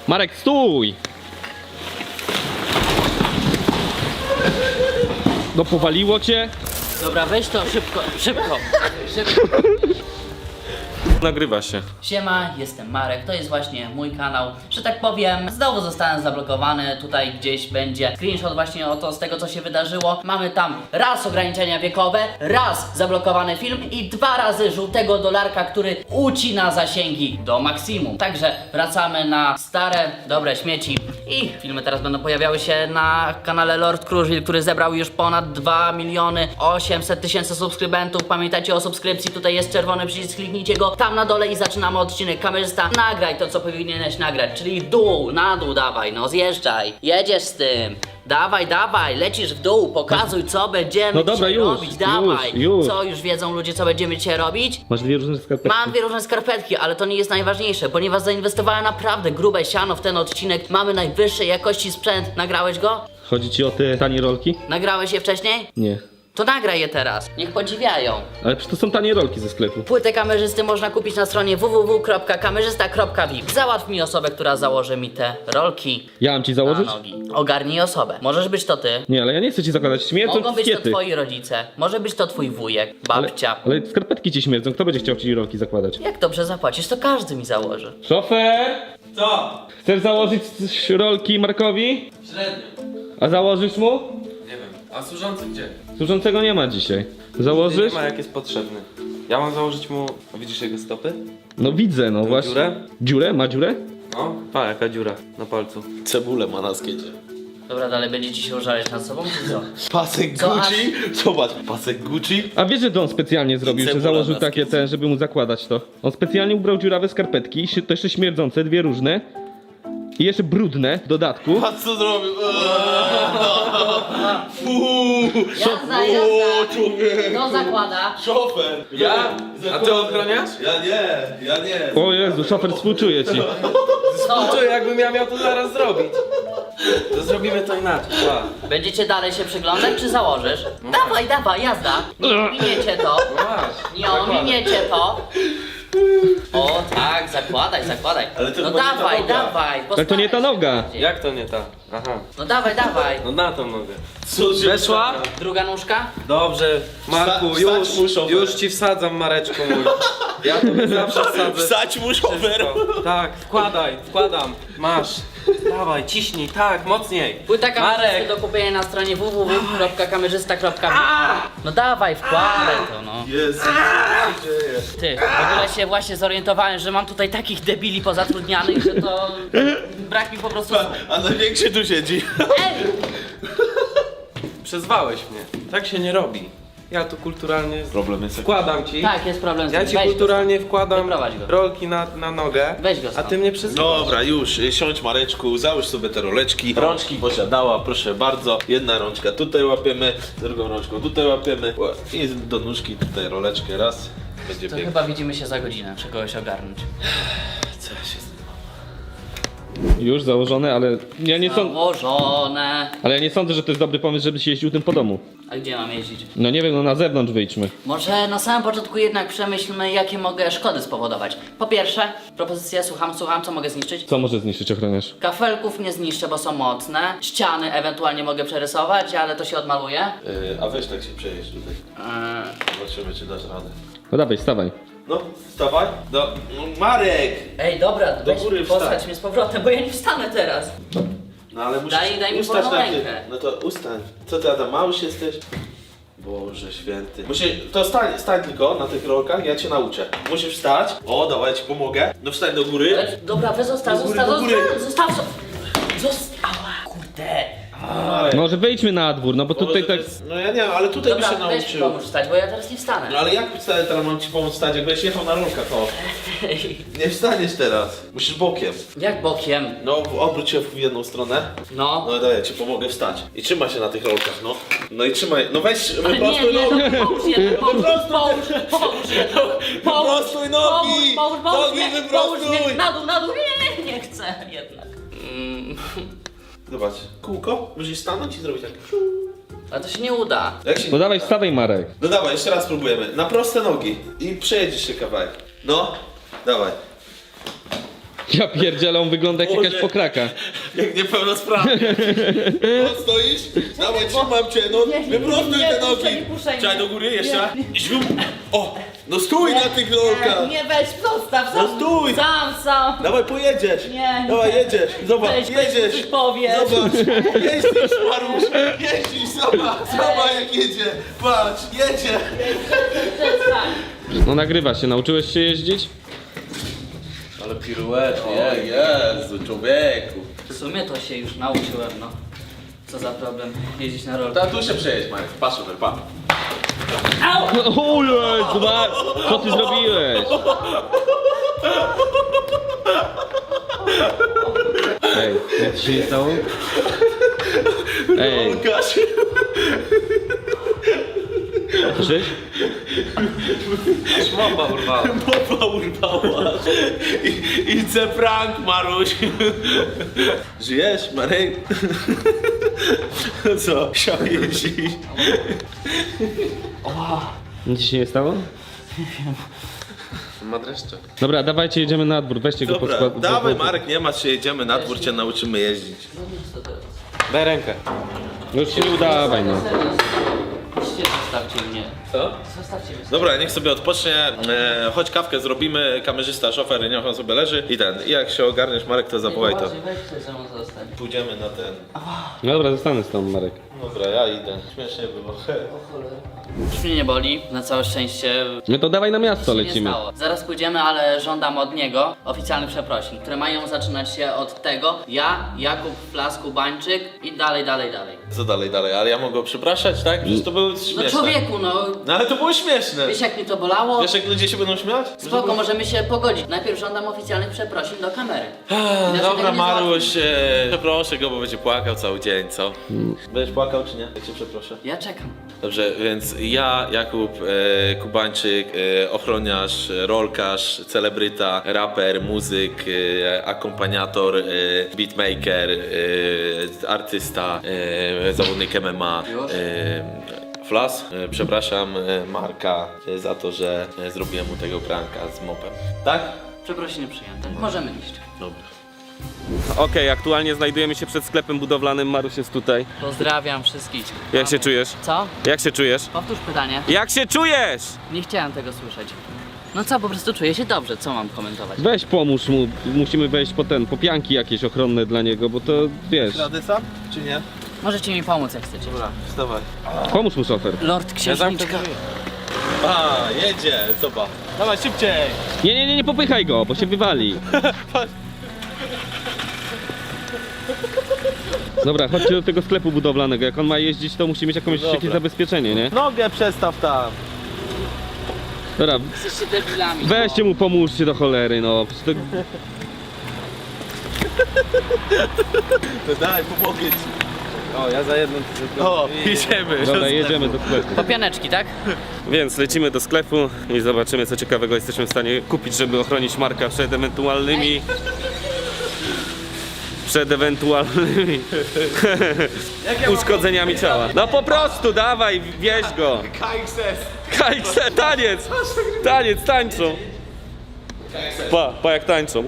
Marek, stój! No powaliło cię? Dobra, weź to szybko. Nagrywa się. Siema, jestem Marek, to jest właśnie mój kanał. Że tak powiem, znowu zostałem zablokowany. Tutaj gdzieś będzie screenshot właśnie z tego, co się wydarzyło. Mamy tam raz ograniczenia wiekowe, raz zablokowany film i 2 razy żółtego dolarka, który ucina zasięgi do maksimum. Także wracamy na stare, dobre śmieci i filmy teraz będą pojawiały się na kanale Lord Kruszwil, który zebrał już ponad 2 800 000 subskrybentów. Pamiętajcie o subskrypcji, tutaj jest czerwony przycisk, kliknijcie go tam na dole i zaczynamy odcinek. Kamerzysta, nagraj to, co powinieneś nagrać, czyli dół, na dół dawaj, no zjeżdżaj, jedziesz z tym. Dawaj, lecisz w dół, pokazuj, co będziemy No dobra, dzisiaj już, robić, dawaj. już. Co, już wiedzą ludzie, co będziemy dzisiaj robić? Masz 2 różne skarpetki. Mam 2 różne skarpetki, ale to nie jest najważniejsze, ponieważ zainwestowałem naprawdę grube siano w ten odcinek. Mamy najwyższej jakości sprzęt. Nagrałeś go? Chodzi ci o te tanie rolki? Nagrałeś je wcześniej? Nie. To nagraj je teraz. Niech podziwiają. Ale przecież to są tanie rolki ze sklepu. Płytę kamerzysty można kupić na stronie www.kamerzysta.vip. Załatw mi osobę, która założy mi te rolki Ja mam ci na założyć? nogi. Ogarnij osobę. Możesz być to ty. Nie, ale ja nie chcę ci zakładać. Śmierdzą Mogą być to skiety. twoi rodzice. Może być to twój wujek, Ale, babcia. ale skarpetki ci śmierdzą. Kto będzie chciał ci rolki zakładać? Jak dobrze zapłacisz, to każdy mi założy. Szofer! Co? Chcesz założyć rolki Markowi? Średnio. A założysz mu? Nie wiem. A służący gdzie? Służącego nie ma dzisiaj. Założysz? Nie ma, jak jest potrzebny. Ja mam założyć mu... A widzisz jego stopy? No widzę, no właśnie. dziurę? Dziurę? Ma dziurę? No. Pa, jaka dziura na palcu. Cebulę ma na skiecie. Dobra, dalej będziecie się użalać nad sobą, czy co? Pasek Co, Gucci? Zobacz, pasek Gucci. A wiesz, że to on specjalnie zrobił, że cebula założył na takie skiecie. te, żeby mu zakładać to. On specjalnie ubrał dziurawe skarpetki, to jeszcze śmierdzące, 2 różne. I jeszcze brudne w dodatku. Patrz co zrobił. Jazda. Kto zakłada? Szofer. Ja? A ty ochroniasz? Ja nie. O Jezu, szofer współczuje ci. Co? Co, jakbym ja miał to zaraz zrobić? To zrobimy to inaczej. Pa. Będziecie dalej się przyglądać, czy założysz? Dawaj, jazda. Nie ominiecie to. No masz. Nie ominiecie to. O tak, zakładaj. Ale to No chyba nie ta dawaj, noga. dawaj. Ale to nie ta postaraj się noga. bardziej. Jak to nie ta? Aha. No dawaj. No na tą nogę. Co się Weszła? Druga nóżka? Dobrze, Marku, Wstać muszą, już ci wsadzam, Mareczku mój. Ja to zawsze wsadzę. Wstać mu szofer. Wszystko. Tak, wkładam. Masz. Dawaj, ciśnij, tak, mocniej. Płyta kamerzysty Marek. do kupienia na stronie www.kamerzysta.vip. No dawaj, wkładaj to no. Jezu, co się dzieje? Ty, w ogóle się właśnie zorientowałem, że mam tutaj takich debili pozatrudnianych, że to brak mi po prostu słów. A największy tu siedzi. Ej! Przezwałeś mnie. Tak się nie robi. Ja tu kulturalnie Problem jest wkładam ci. Tak, jest problem z Ja tym. ci Weź go. kulturalnie wkładam Wyprowadź go. rolki na nogę. Weź go A stąd. ty mnie przezwałaś. Dobra, już, siądź Mareczku, załóż sobie te roleczki. Rączki posiadała, proszę bardzo. Jedna rączka tutaj łapiemy, drugą rączką tutaj łapiemy. I do nóżki tutaj roleczkę raz. Będzie To pięknie. chyba widzimy się za godzinę, trzeba kogoś ogarnąć. Co ja się z tym mam? Już założone, ale ja nie sądzę. Założone. Ale ja nie sądzę, że to jest dobry pomysł, żebyś jeździł tym po domu. A gdzie mam jeździć? No nie wiem, no na zewnątrz wyjdźmy. Może na samym początku jednak przemyślmy, jakie mogę szkody spowodować. Po pierwsze, propozycja, słucham, co mogę zniszczyć? Co może zniszczyć ochroniarz? Kafelków nie zniszczę, bo są mocne. Ściany ewentualnie mogę przerysować, ale to się odmaluje. A weź tak się przejeźdź tutaj. Zobaczymy, czy dasz radę. No dawaj, stawaj. No, wstawaj. No, Marek! Ej, dobra, Do weź góry postać wstań. mnie z powrotem, bo ja nie wstanę teraz. No ale musisz Daj mi ustać wolną na ty. rękę. No to ustań. Co ty, Adam, mały jesteś? Boże święty. To stań tylko na tych rolkach, ja cię nauczę. Musisz wstać. O, dawaj, ja ci pomogę. No wstań do góry. Ale, dobra, zostaw. Ała, kurde. Może wyjdźmy na dwór, no bo tutaj tak... No ja nie wiem, ale tutaj by się Dobra, weź nauczył. pomóż wstać, bo ja teraz nie wstanę. No ale jak wstać, teraz mam ci pomóc wstać, jak będziesz jechał na rolkach, o. Nie wstaniesz teraz. Musisz bokiem. Jak bokiem? No, obróć się w jedną stronę. No. No daj, ja ci pomogę wstać. I trzymaj się na tych rolkach, no. No i trzymaj, no weź, Ale wyprostuj nie, nogi. no połóż je, Wyprostuj nogi! Nogi wyprostuj! Na dół, nie chcę jednak. Zobacz, kółko, musisz stanąć i zrobić tak. Ale to się nie uda. Jak się... No dawaj, wstawaj Marek. No dawaj, jeszcze raz spróbujemy. Na proste nogi. I przejedziesz się kawałek. No, dawaj. Ja pierdzielę, on wygląda jak jakaś pokraka. Jak niepełnosprawny. No stoisz? Dawaj, trzymam cię, no wyprostuj te nogi. Czekaj do góry, jeszcze. Zium. O, no stój na tych rolkach. Nie, weź, zostaw, No stój. sam. Dawaj, pojedziesz. Nie. Dawaj, jedziesz. Zobacz, Weź, jedziesz. coś powiesz. Zobacz, jeździsz, Marusz. Jeździsz, zobacz jak jedzie. Patrz, jedzie. Przestań. No nagrywa się, nauczyłeś się jeździć? Ale piruety, Jezu, człowieku. W sumie to się już nauczyłem, no. Co za problem jeździć na rolkach. Tu się przejedź, Marek. Patrz, pa. O Jezu, co ty zrobiłeś? Ej, jak ci się nie stało? Ej, Łukasz. słyszysz? Mopa urwała. Mopa urwała. It's a prank, Maruś. Żyjesz, Marek? Co? Chciał jeździć. Nic ci się nie stało? Ma dreszcze. Dobra, dawajcie, jedziemy na dwór, weźcie go pod Dobra, skład. dawaj Marek, nie masz się, jedziemy na dwór, cię nauczymy jeździć. Daj rękę. Już się nie udawaj, no. Zostawcie mnie. Co? Zostawcie mnie. Dobra, niech sobie odpocznie, chodź kawkę zrobimy, kamerzysta, szofer, niech on sobie leży i jak się ogarniesz, Marek, to zawołaj to. Weź ktoś ze mną zostań. Pójdziemy na ten. Dobra, zostanę z tobą, Marek. Dobra, ja idę. Śmiesznie było. Już mnie nie boli, na całe szczęście. No to dawaj na miasto Nic się lecimy. nie stało. Zaraz pójdziemy, ale żądam od niego oficjalnych przeprosin, które mają zaczynać się od tego: ja, Jakub Flasku Bańczyk i dalej. Co dalej? Ale ja mogę go przepraszać, tak? Przecież to było No śmieszne. człowieku, no. No ale to było śmieszne. Wiesz jak mi to bolało? Wiesz jak ludzie się będą śmiać? Spoko, możemy się pogodzić. Najpierw żądam oficjalnych przeprosin do kamery. Inaczej Dobra, tego nie Maruś, załatwię. przeproszę go, bo będzie płakał cały dzień, co? Będziesz płakał czy nie? Jak cię przeproszę? Ja czekam. Dobrze, więc ja, Jakub Kubańczyk, ochroniarz, rolkarz, celebryta, raper, muzyk, akompaniator, beatmaker, artysta, zawodnik MMA, Już? Flas. Przepraszam Marka za to, że zrobiłem mu tego pranka z mopem. Tak? Przeprosiny przyjęte. Możemy iść. Dobra. Okej, aktualnie znajdujemy się przed sklepem budowlanym, Maruś jest tutaj. Pozdrawiam wszystkich. Jak się czujesz? Co? Jak się czujesz? Powtórz pytanie. Jak się czujesz? Nie chciałem tego słyszeć. No co, po prostu czuję się dobrze, co mam komentować? Weź pomóż mu, musimy wejść po pianki jakieś ochronne dla niego, bo to wiesz. Rady sam, czy nie? Możecie mi pomóc jak chcecie. Dobra, wstawaj. Pomóż mu szofer. Lord Księżniczka. A, jedzie, zobacz. Dawaj szybciej. Nie popychaj go, bo się wywali. Dobra, chodźcie do tego sklepu budowlanego. Jak on ma jeździć, to musi mieć jakieś zabezpieczenie, nie? Nogę przestaw tam. Dobra, Jesteście debilami. weźcie mu, pomóżcie do cholery, no. Przecież to... To daj, pomogę ci. O, ja za jedną O, idziemy. Dobra, jedziemy do sklepu. Po pianeczki, tak? Więc lecimy do sklepu i zobaczymy, co ciekawego jesteśmy w stanie kupić, żeby ochronić Marka przed ewentualnymi... uszkodzeniami ciała. No po prostu, dawaj, wieź go. KXS. Taniec, tańczą. Pa jak tańczą.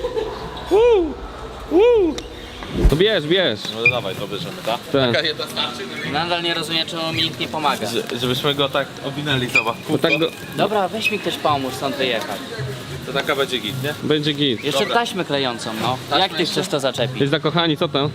To bierz. No dawaj, to bierzemy, tak? Tak. Jedna starczy? Nadal nie rozumiem, czemu mi nikt nie pomaga. Żebyśmy go tak owinęli, zobacz. Bo tak go... Dobra, weź mi ktoś pomóż stąd wyjechać. To taka będzie git, nie? Będzie git. Jeszcze taśmę klejącą, no. Jak ty chcesz to zaczepić? Jesteś zakochani, co tam?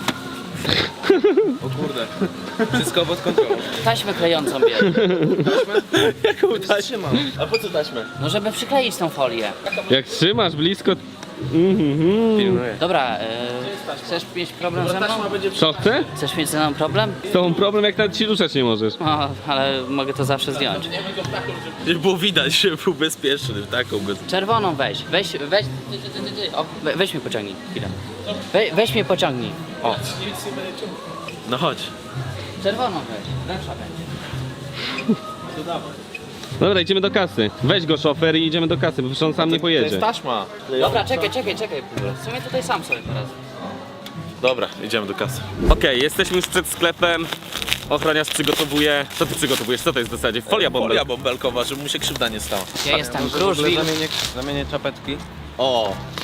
O kurde. Wszystko pod kontrolą. Taśmę klejącą bierz. Jaką taśmę mam? A po co taśmę? No żeby przykleić tą folię. Jak trzymasz blisko... Pilnuję. Dobra, chcesz mieć problem ze mną? Co chce? Chcesz mieć ze mną problem? Z tobą problem, jak nawet się ruszać nie możesz. No, ale mogę to zawsze zdjąć. Żeby było widać, że był bezpieczny, taką go... Czerwoną weź. O, weź mnie pociągnij chwilę. Weź mnie pociągnij. O, No chodź. czerwoną weź. Lepsza będzie. Dobra, idziemy do kasy. Weź go szofer i idziemy do kasy, bo przecież on sam nie To pojedzie. jest taśma. Dobra, czekaj. W sumie tutaj sam sobie teraz. Dobra, idziemy do kasy. Okej, jesteśmy już przed sklepem. Ochroniarz przygotowuje... Co ty przygotowujesz? Co to jest w zasadzie? Folia bąbelkowa. Folia bąbelkowa, żeby mu się krzywda nie stała. Ja jestem Może w ogóle Kruszwil. zamienię czapeczki. O!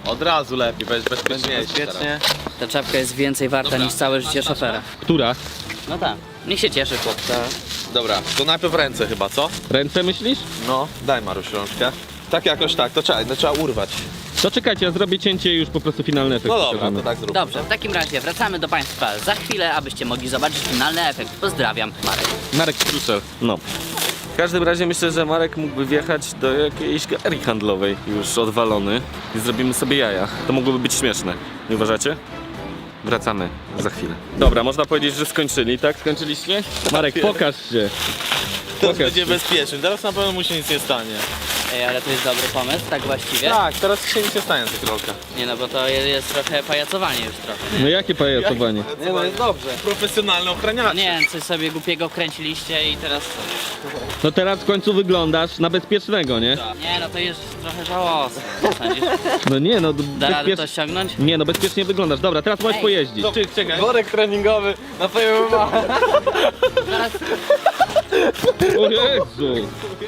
Od razu lepiej, bezpieczniejsze teraz. Ta czapka jest więcej warta niż całe życie szofera. Która? No tak. Niech się cieszy chłopca. Dobra, to najpierw ręce chyba, co? Ręce myślisz? No, daj Maruś rączkę. Tak jakoś tak, to trzeba urwać. To czekajcie, ja zrobię cięcie i już po prostu finalny efekt No dobra, pokażemy. to tak zrób. Dobrze, w takim razie wracamy do Państwa za chwilę, abyście mogli zobaczyć finalny efekt. Pozdrawiam, Marek. Marek Strusel. No. W każdym razie myślę, że Marek mógłby wjechać do jakiejś galerii handlowej już odwalony i zrobimy sobie jaja. To mogłoby być śmieszne, nie uważacie? Wracamy za chwilę. Dobra, można powiedzieć, że skończyli, tak? Skończyliście? Marek, pokaż się. Teraz Pokaż będzie się. bezpieczny, teraz na pewno mu się nic nie stanie. Ej, ale to jest dobry pomysł, tak właściwie? Tak, teraz się nic nie stanie na tych rolkach. Nie no, bo to jest trochę pajacowanie już trochę. No jakie pajacowanie? Nie no, jest dobrze. Profesjonalny No ochraniacz. nie wiem, coś sobie głupiego wkręciliście i teraz co? No teraz w końcu wyglądasz na bezpiecznego, nie? Nie no, to jest trochę żałosne. Co sądzisz? No nie, no Da radę to ściągnąć? Nie, no bezpiecznie wyglądasz. Dobra, teraz możesz Ej. pojeździć. Czekaj. Worek treningowy na twoją mamę. Zaraz... O Jezu!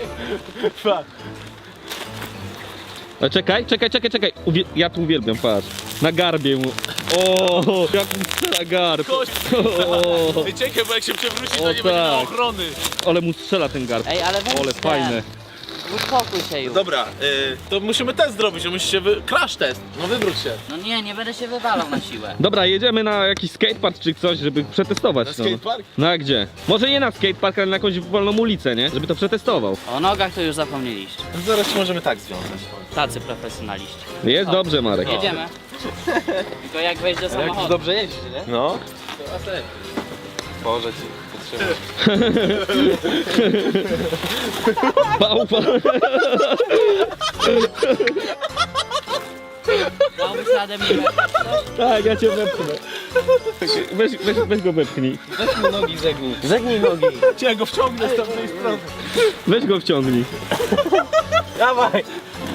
A czekaj. Ja tu uwielbiam, patrz. Na garbie mu. O, jak mu strzela garb. O, Ej, czekaj, bo jak się przewróci, O, to nie będzie na tak. ochrony. ale mu strzela ten garb. Ej, ale weź Ale ten. fajne. Uspokój się już. Dobra, to musimy test zrobić, że musi się crash test. No wywróć się. No nie będę się wywalał na siłę. Dobra, jedziemy na jakiś skatepark czy coś, żeby przetestować Na to. skatepark? No a gdzie? Może nie na skatepark, ale na jakąś wolną ulicę, nie? Żeby to przetestował. O nogach to już zapomnieliście. No zaraz się możemy tak związać. Tacy profesjonaliści. Jest dobrze, Marek. Jedziemy. Tylko jak wejść do samochodu. Dobrze jeździ, nie? No. Boże ci, potrzymaj. Bałwa. Dałbyś radę mnie wepchnąć? Tak, ja cię wepchnę. Weź go wepchnij. Weź mu nogi zegnij. Zegnij nogi. Ja go wciągnę z tamtej strony. Weź go wciągnij. Dawaj.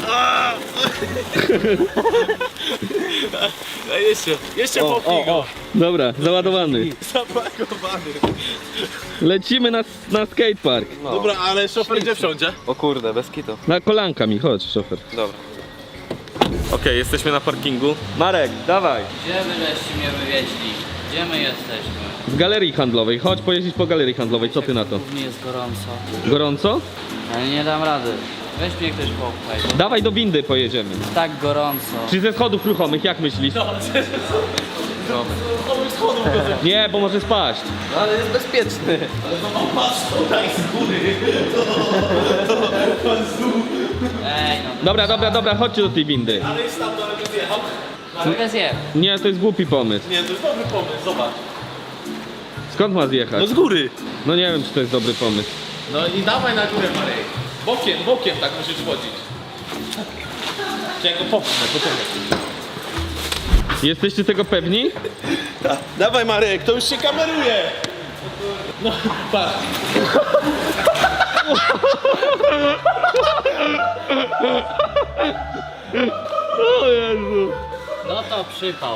Jeszcze popnij go. Dobra, załadowany. Zapakowany. Lecimy na skatepark. Dobra, ale szofer gdzie wsiądzie? O kurde, bez kitu. Na kolanka mi, chodź, szofer. Dobra. Okej, jesteśmy na parkingu. Marek, dawaj! Gdzie wy żeście mnie wywieźli? Gdzie my jesteśmy? W galerii handlowej, chodź pojeździć po galerii handlowej, co ty na to? Mnie jest gorąco. Gorąco? Ale nie dam rady. Weź mnie ktoś popchaj. Bo Dawaj do windy pojedziemy. tak gorąco. Czy ze schodów ruchomych, jak myślisz? Nie, bo może spaść. No ale jest bezpieczny. Ej no. Dobra, chodźcie do tej windy. Mogę zjechać. Nie, to jest głupi pomysł. Nie, to jest dobry pomysł, zobacz. Skąd ma zjechać? No z góry. No nie wiem, czy to jest dobry pomysł. No i dawaj na górę, Marek. Bokiem tak musisz chodzić. Ja go popchnę, poczekaj. Jesteście tego pewni? Dawaj Marek, to już się kameruje. No, patrz. O Jezu. No to przypał.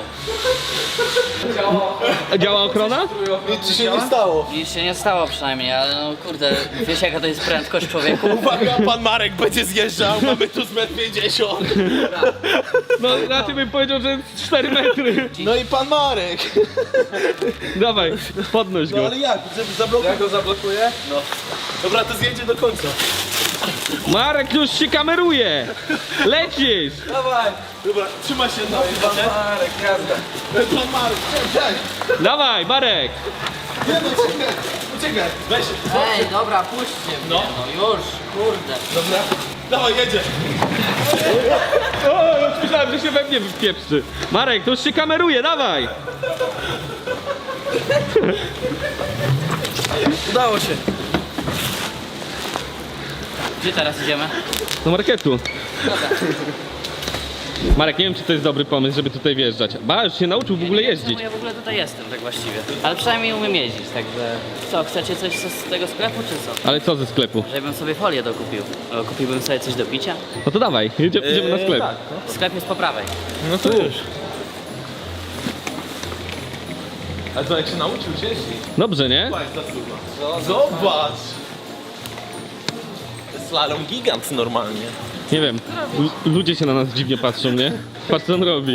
A działa ochrona? Nic ci się nie stało. Nic się nie stało przynajmniej, ale no kurde, wiesz jaka to jest prędkość człowieku? Uwaga, pan Marek będzie zjeżdżał, mamy tu z 1,50 m. No raczej bym powiedział, że jest 4 metry. No i pan Marek. Dawaj, podnoś No go. ale jak? Zablokuj. Ja go zablokuję? No. Dobra, to zjedzie do końca. Marek już się kameruje. Lecisz. Dawaj. Dobra, trzymaj się na Pan Marek, jazda. Pan Marek, czekaj. Dawaj, Marek. Nie no, czekaj. Poczekaj, weź. Ej, dobra, puśćcie mnie, no już, kurde. Dobra. Dawaj, jedzie. O, już myślałem, że się we mnie wpieprzy. Marek, to już się kameruje, dawaj. Udało się. Gdzie teraz idziemy? Do marketu. Marek, nie wiem, czy to jest dobry pomysł, żeby tutaj wjeżdżać. Ba, już się nauczył w ogóle jeździć. Ja w ogóle tutaj jestem, tak właściwie. Ale przynajmniej umiem jeździć, także... Co, chcecie coś z tego sklepu, czy co? Ale co ze sklepu? Żebym sobie folię dokupił. Kupiłbym sobie coś do picia. No to dawaj, idziemy na sklep. tak. Sklep jest po prawej. No to już. A co, jak się nauczył jeździć? Dobrze, nie? Zobacz. Slalom gigant normalnie. Nie wiem, ludzie się na nas dziwnie patrzą, nie? Patrz co on robi.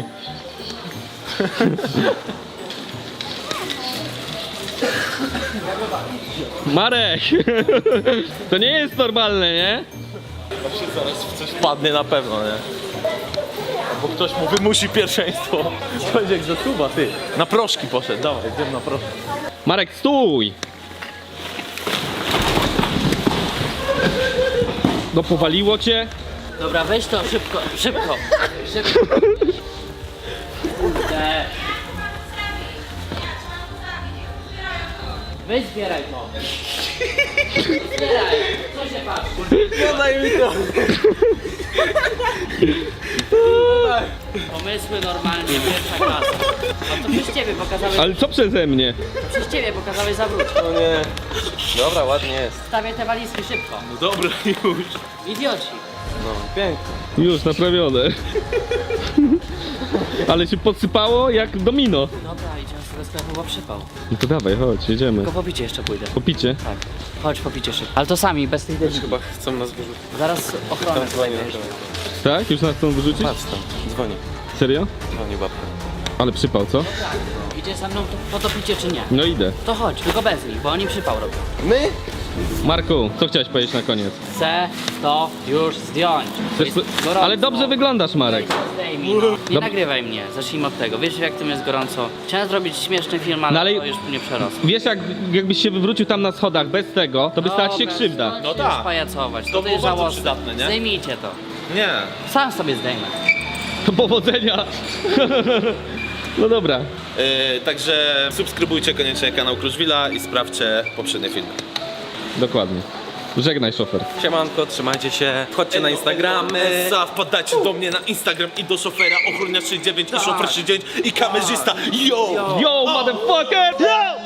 Marek! To nie jest normalne, nie? Coś wpadnie na pewno, nie? Bo ktoś mu wymusi pierwszeństwo. Chodź jak zasuwa, ty. Na proszki poszedł, dawaj, idziemy na proszki. Marek, stój! No powaliło cię? Dobra, weź to szybko, szybko. Szybko. Kurde. Weź zbieraj to. Zbieraj. Co się patrzy? No daj mi to. Pomysły normalnie, pierwsza klasa. A to przez ciebie pokazałeś, Ale co przeze mnie? przez ciebie pokazałeś zawróć. No nie. Dobra, ładnie jest. Stawiaj te walizki szybko. No dobra już. Idioci. No, pięknie. Już naprawione. Ale się podsypało jak domino. Dobra, idziemy z tego sklepu, bo przypał. No to dawaj, chodź, jedziemy. Tylko po picie jeszcze pójdę. Popicie. Tak. Chodź po picie szybko. Ale to sami, bez tych decyzji. Chyba chcą nas wyrzucić. Zaraz ochronę zdejmiesz. Tak? Już nas chcą wyrzucić? Patrz tam, dzwoni. Serio? Dzwoni babka. Ale przypał, co? Idzie ze mną po to picie czy nie? No idę. To chodź, tylko bez nich, bo oni przypał robią. My? Marku, co chciałeś powiedzieć na koniec? Chcę to już zdjąć. Chcesz... Jest gorąco. Ale dobrze wyglądasz, Marek. Zdejmij, no. Nie nagrywaj mnie, zacznijmy od tego. Wiesz jak tym jest gorąco? Chciałem zrobić śmieszny film, ale, No ale- to już nie przerosło. Wiesz, jakbyś się wywrócił tam na schodach bez tego, to by stała ci się Dobra, krzywda. no No tak. tak. Pajacować, To to było jest bardzo żałosne. przydatne, nie? Zdejmijcie to. Nie. Sam sobie zdejmę. To powodzenia. No dobra. Także subskrybujcie koniecznie kanał Kruszwila i sprawdźcie poprzednie filmy. Dokładnie. Żegnaj, szofer. Siemanko, trzymajcie się. Wchodźcie na Instagramy. Wpadajcie do mnie na Instagram i do szofera Ochroniarz 69 i szofer 69 i kamerzysta. Yo! Yo, motherfucker! Yo!